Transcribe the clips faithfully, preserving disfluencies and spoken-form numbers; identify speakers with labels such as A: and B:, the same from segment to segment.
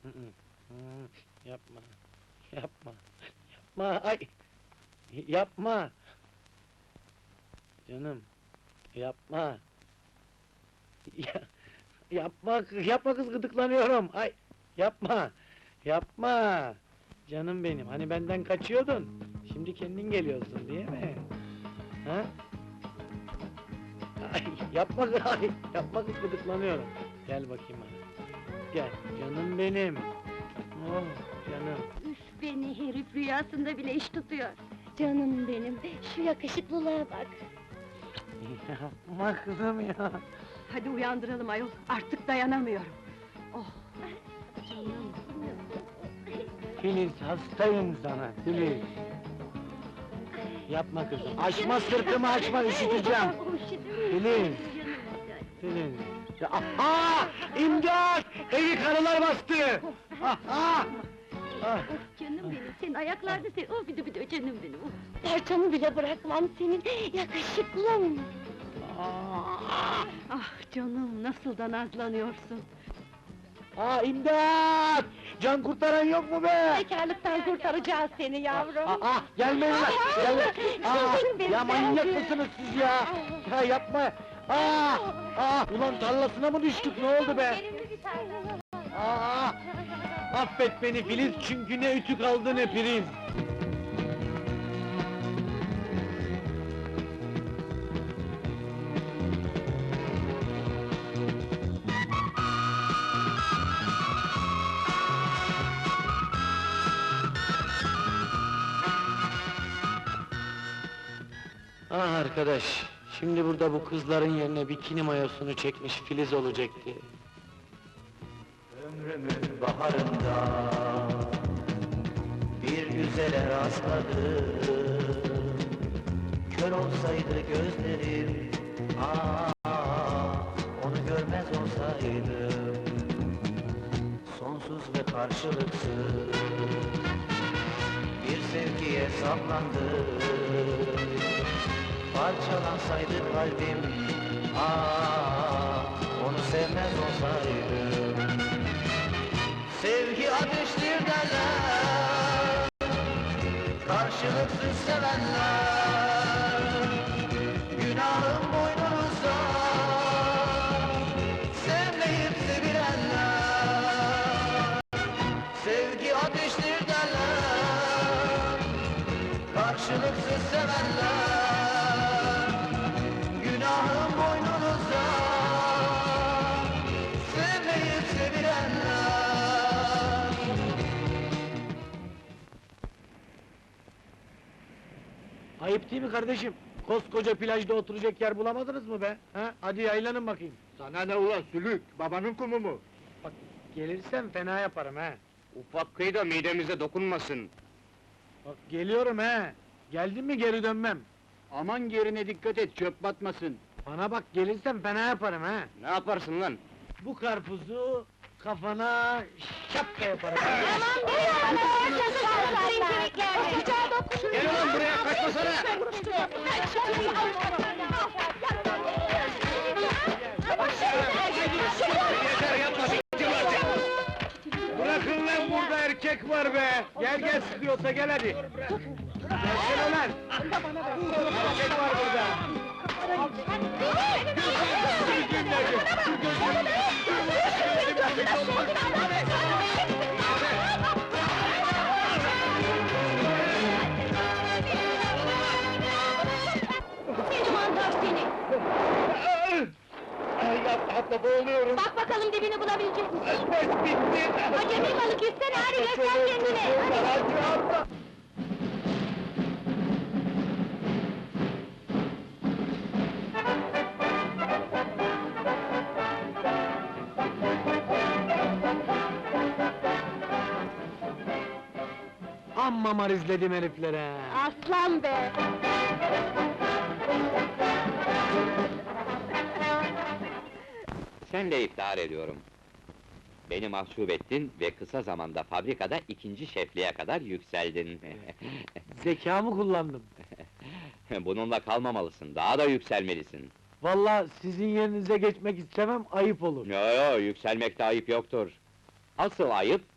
A: Hı hı. Hı, yapma, yapma, yapma, ay! Yapma! Canım, yapma! Ya, yapma, kız- yapma kız, gıdıklanıyorum! Ay! Yapma! Yapma! Canım benim, hani benden kaçıyordun, şimdi kendin geliyorsun, değil mi? Ha? Ay, yapma kız, ay! Yapma kız, gıdıklanıyorum! Gel bakayım bana, gel, canım benim! Oh, canım!
B: Üf, beni herif rüyasında bile iş tutuyor. Canım benim, şu yakışıklılığa bak.
A: Yapma kızım ya!
C: Hadi uyandıralım ayol, artık dayanamıyorum. Oh, canım.
A: Filiz, hastayım sana, Filiz! Yapma kızım, açma sırtımı, açma, üşüteceğim! Filiz! Filiz! Ya, aha! İmdat! Evi karılar bastı! Aha! Ah!
B: Of canım benim, senin ayaklarda sen, oh bir de bir de canım benim. Oh. Parçamı bile bırakmam senin, yakışıklım!
A: Ah!
C: Ah canım, nasıl da nazlanıyorsun.
A: Aa, imdat! Can kurtaran yok mu be?
B: Bekarlıktan kurtaracağız seni yavrum!
A: Aa, aa, gelmeyin lan! Gelme! Aa,
B: Canım benim,
A: ya manyak
B: geldi.
A: mısınız siz ya? Ya yapma! Aa! Aa! Ulan tarlasına mı düştük, ne oldu be? Aa! Affet beni Filiz, çünkü ne ütü kaldı ne priz! Ah arkadaş, şimdi burada bu kızların yerine bikini mayosunu çekmiş Filiz olacaktı.
D: Ömrümün baharında bir güzele rastladım. Kör olsaydı gözlerim, ah, onu görmez olsaydım. Sonsuz ve karşılıksız bir sevgiye saplandım. Parçalansaydı kalbim, ah, onu sevmez olsaydım. Sevgi ateştir derler, karşılıksız sevenler. Günahım boynunuzda, sevmeyip sevilenler. Sevgi ateştir derler, karşılıksız sevenler. Günahım boynunuzda, sevmeyip sevilenler.
A: Ayıp değil mi kardeşim? Koskoca plajda oturacak yer bulamadınız mı be? Ha? Hadi yaylanın bakayım.
E: Sana ne ulan sülük, babanın kumu mu?
A: Bak, gelirsem fena yaparım ha.
E: Ufak kıyı da midemize dokunmasın.
A: Bak, geliyorum ha. Geldin mi geri dönmem.
E: Aman yerine dikkat et, çöp batmasın.
A: Bana bak, gelirsem fena yaparım ha.
E: Ne yaparsın lan?
A: Bu karpuzu kafana şapka yaparım.
B: Aman be ya! Çocuklar, kemikler! Sıcağa dokun!
E: Gel ulan buraya, kaçmasana! Yeter yapma, s**tim artık!
A: Bırakın lan, burada erkek var be! Gel gel, sıkıyorsa gel hadi! Gelsene lan! Erkek var burada!
B: Seni mantar seni!
A: Ay, yapma, yapma, boğuluyorum!
B: Bak bakalım dibini bulabilecek misin?
A: Bes bitti!
B: Acemi balık istene, hadi göster kendini!
A: Hadi! Amma mar izledim heriflere!
B: Aslan be!
F: Senle iftihar ediyorum. Beni mahcup ettin ve kısa zamanda fabrikada ikinci şefliğe kadar yükseldin.
A: Zekamı kullandım.
F: Bununla kalmamalısın, daha da yükselmelisin.
A: Vallahi sizin yerinize geçmek istemem, ayıp olur.
F: Yo yo, yükselmekte ayıp yoktur. Asıl ayıp,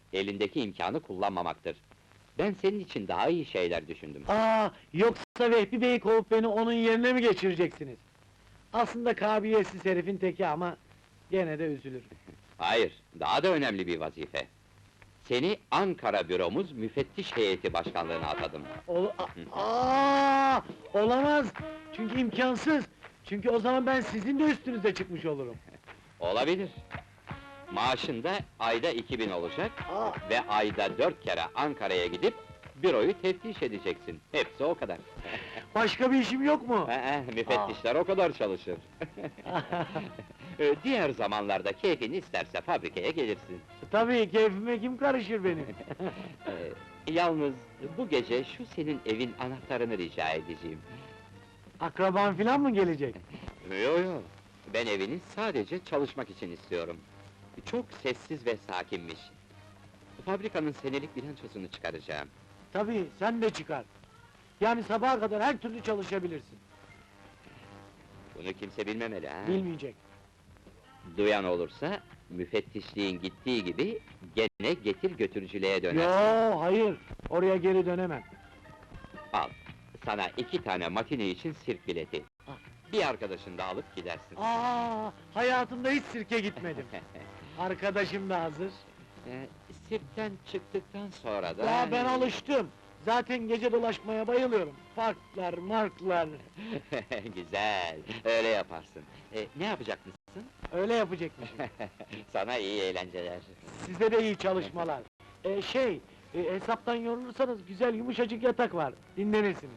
F: elindeki imkanı kullanmamaktır. Ben senin için daha iyi şeyler düşündüm.
A: Aa, yoksa Vehbi Bey'i kovup beni onun yerine mi geçireceksiniz? Aslında kabiliyetsiz herifin teki ama gene de üzülür.
F: Hayır, daha da önemli bir vazife. Seni Ankara büromuz müfettiş heyeti başkanlığına atadım.
A: Ol A- Aa, olamaz! Çünkü imkansız! Çünkü o zaman ben sizin de üstünüze çıkmış olurum.
F: Olabilir. Maaşın da ayda iki bin olacak
A: Aa,
F: ve ayda dört kere Ankara'ya gidip büroyu teftiş edeceksin. Hepsi o kadar.
A: başka bir işim yok mu?
F: Ee, müfettişler o kadar çalışır. Ee, Diğer zamanlarda keyfin isterse fabrikaya gelirsin.
A: Tabii, keyfime kim karışır benim?
F: Ee, Yalnız bu gece şu senin evin anahtarını rica edeceğim.
A: Akraban filan mı gelecek?
F: Yo yo, ben evini sadece çalışmak için istiyorum. Çok sessiz ve sakinmiş. Fabrikanın senelik bilançosunu çıkaracağım.
A: Tabii, sen de çıkar. Yani sabaha kadar her türlü çalışabilirsin.
F: Bunu kimse bilmemeli ha.
A: Bilmeyecek.
F: Duyan olursa, müfettişliğin gittiği gibi gene getir götürücülüğe dönersin.
A: Yo, hayır, oraya geri dönemem.
F: Al, sana iki tane matine için sirk bileti.
A: Ah.
F: Bir arkadaşını da alıp gidersin.
A: Aa, hayatımda hiç sirke gitmedim. Arkadaşım da hazır.
F: Ee, Sirkten çıktıktan sonra da...
A: Ya ben alıştım. Zaten gece dolaşmaya bayılıyorum. Parklar, marklar.
F: Güzel, öyle yaparsın. Ee, ne yapacak mısın?
A: Öyle yapacakmışım.
F: Sana iyi eğlenceler.
A: Size de iyi çalışmalar. Ee, şey, e, hesaptan yorulursanız güzel yumuşacık yatak var. Dinlenirsiniz.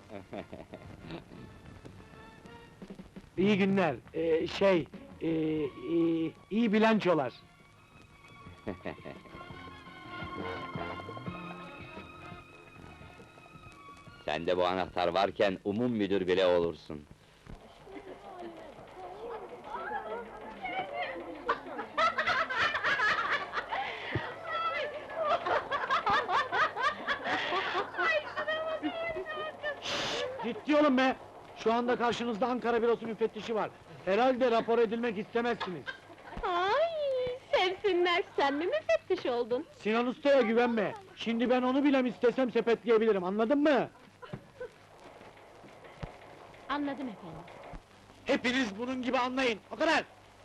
A: İyi günler. Ee, şey, e, e, iyi bilançolar.
F: Sende bu anahtar varken umum müdür bile olursun.
A: Ciddi olun be! Şu anda karşınızda Ankara Bürosu müfettişi var. Herhalde rapor edilmek istemezsiniz.
B: Ay, sevsinler, sen mi müfettiş oldun?
A: Sinan Usta'ya güvenme. Şimdi ben onu bile istesem sepetleyebilirim, anladın mı?
B: Anladım efendim.
A: Hepiniz bunun gibi anlayın, o kadar!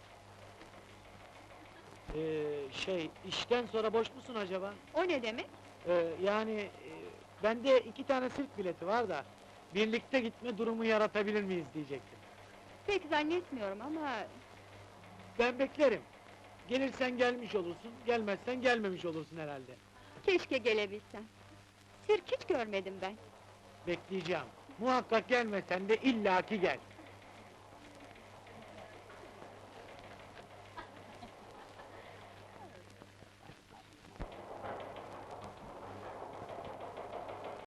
A: Ee, şey, işten sonra boş musun acaba?
C: O ne demek?
A: Ee, yani, e, bende iki tane sirk bileti var da... ...birlikte gitme durumu yaratabilir miyiz diyecektim.
C: Pek zannetmiyorum ama...
A: Ben beklerim. Gelirsen gelmiş olursun, gelmezsen gelmemiş olursun herhalde.
C: Keşke gelebilsen. Sirk hiç görmedim ben.
A: Bekleyeceğim. Muhakkak gelmesen de illaki gel.